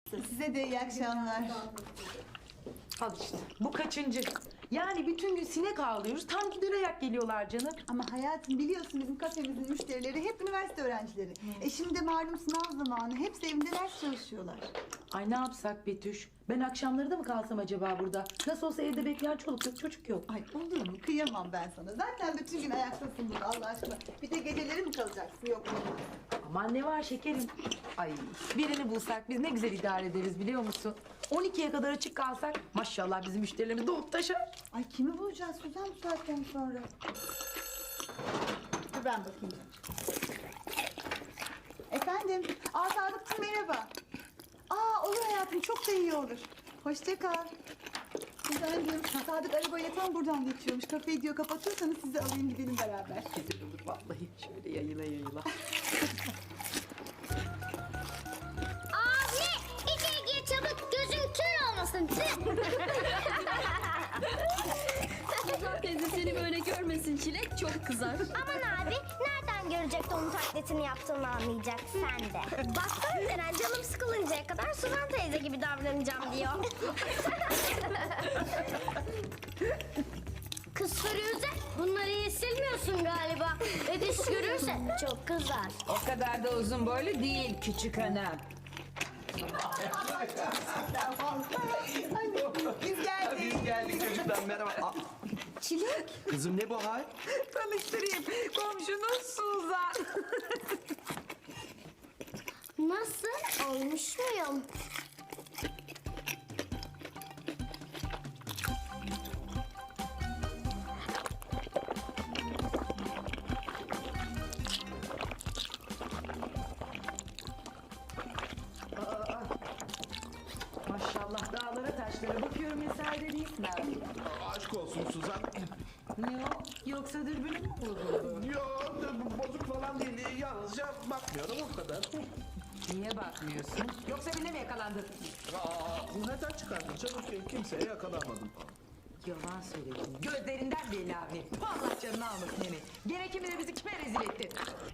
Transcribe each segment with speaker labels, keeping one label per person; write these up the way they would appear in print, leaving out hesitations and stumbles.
Speaker 1: Size de iyi akşamlar.
Speaker 2: Al işte. Bu kaçıncı? Yani bütün gün sinek ağlıyoruz. Tam gider ayak geliyorlar canım.
Speaker 1: Ama hayatım biliyorsun bizim kafemizin müşterileri hep üniversite öğrencileri. Şimdi de malum sınav zamanı. Hepsi evinde ders çalışıyorlar.
Speaker 2: Ay ne yapsak Betüş? Ben akşamları da mı kalsam acaba burada? Nasıl olsa evde bekleyen çoluk yok, çocuk yok.
Speaker 1: Ay olur mu? Kıyamam ben sana. Zaten bütün gün ayaktasın burada Allah aşkına. Bir de geceleri mi kalacaksın? Yok olmaz.
Speaker 2: Aman ne var şekerim? Ay birini bulsak biz ne güzel idare ederiz biliyor musun? 12'ye kadar açık kalsak maşallah bizim müşterilerimiz doğup taşar.
Speaker 1: Ay kimi bulacağız Suzan bu saatten sonra? Dur ben bakayım. Efendim? Sadıkçım merhaba. Olur hayatım çok da iyi olur. Hoşça kal. Güzelciğim Sadık arabayla tam buradan geçiyormuş. Kafeyi diyor kapatırsanız sizi alayım gidelim beraber.
Speaker 2: Güzel olur vallahi şöyle yayıla yayıla.
Speaker 3: Abi içeri gir çabuk gözün kör olmasın.
Speaker 4: Suzan teyze seni böyle görmesin Çilek çok kızar.
Speaker 3: Aman abi nereden görecek onun taklitini yaptığını anlayacak sen de. Baksana Deren canım sıkılıncaya kadar Suzan teyze gibi davranacağım diyor. Kız Firuze bunları iyi silmiyorsun galiba. Ediş görürse çok kızar.
Speaker 5: O kadar da uzun boylu değil küçük hanım.
Speaker 1: Biz geldik.
Speaker 6: Biz geldik çocuklar merhaba.
Speaker 1: Çilek.
Speaker 6: Kızım ne bu hal?
Speaker 5: Tanıştırayım. Komşunuz Suzan.
Speaker 3: Nasıl? Olmuş muyum?
Speaker 2: Maşallah dağlara taşlara bakıyorum mesaide değilsin abi.
Speaker 6: Aşk olsun Suzan.
Speaker 2: Ne o? Yoksa dürbünün mü bozuldu?
Speaker 6: Yok bozuk falan değil. Yalnızca bakmıyorum o kadar.
Speaker 5: Niye bakmıyorsun? Yoksa birine mi yakalandın?
Speaker 6: Neden çıkardın canım? Kimseye yakalanmadım.
Speaker 5: Yalan söyledin. Gözlerinden belli abi. Allah canını almasın seni. Gene kimi de bizi kime rezil ettin?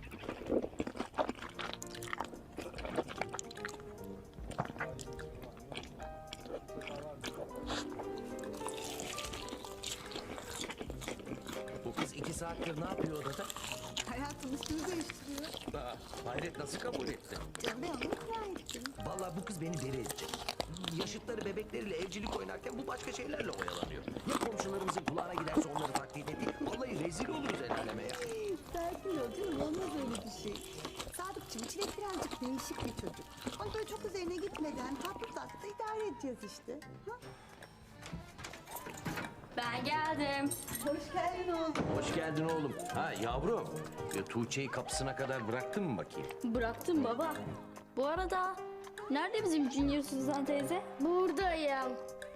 Speaker 6: Bu kız 2 saattir ne yapıyor odada?
Speaker 1: Hayatım üstünü değiştiriyor.
Speaker 6: Hayret nasıl kabul etti?
Speaker 1: Ben onu ikna ettim.
Speaker 6: Vallahi bu kız beni deli edecek. Yaşıtları bebekleriyle evcilik oynarken bu başka şeylerle oyalanıyor. Ya komşularımızın kulağına giderse onları taklit edeyim. Vallahi rezil oluruz el aleme ya.
Speaker 1: Sakin ol canım olmaz öyle bir şey. Sadıkçım Çilek birazcık değişik bir çocuk. Onu böyle çok üzerine gitmeden tatlı tatlı idare edeceğiz işte. Ha?
Speaker 4: Ben geldim.
Speaker 1: Hoş geldin oğlum.
Speaker 6: Hoş geldin oğlum. Ha yavrum. Tuğçe'yi kapısına kadar bıraktın mı bakayım?
Speaker 4: Bıraktım baba. Bu arada nerede bizim Junior Suzan teyze?
Speaker 3: Buradayım.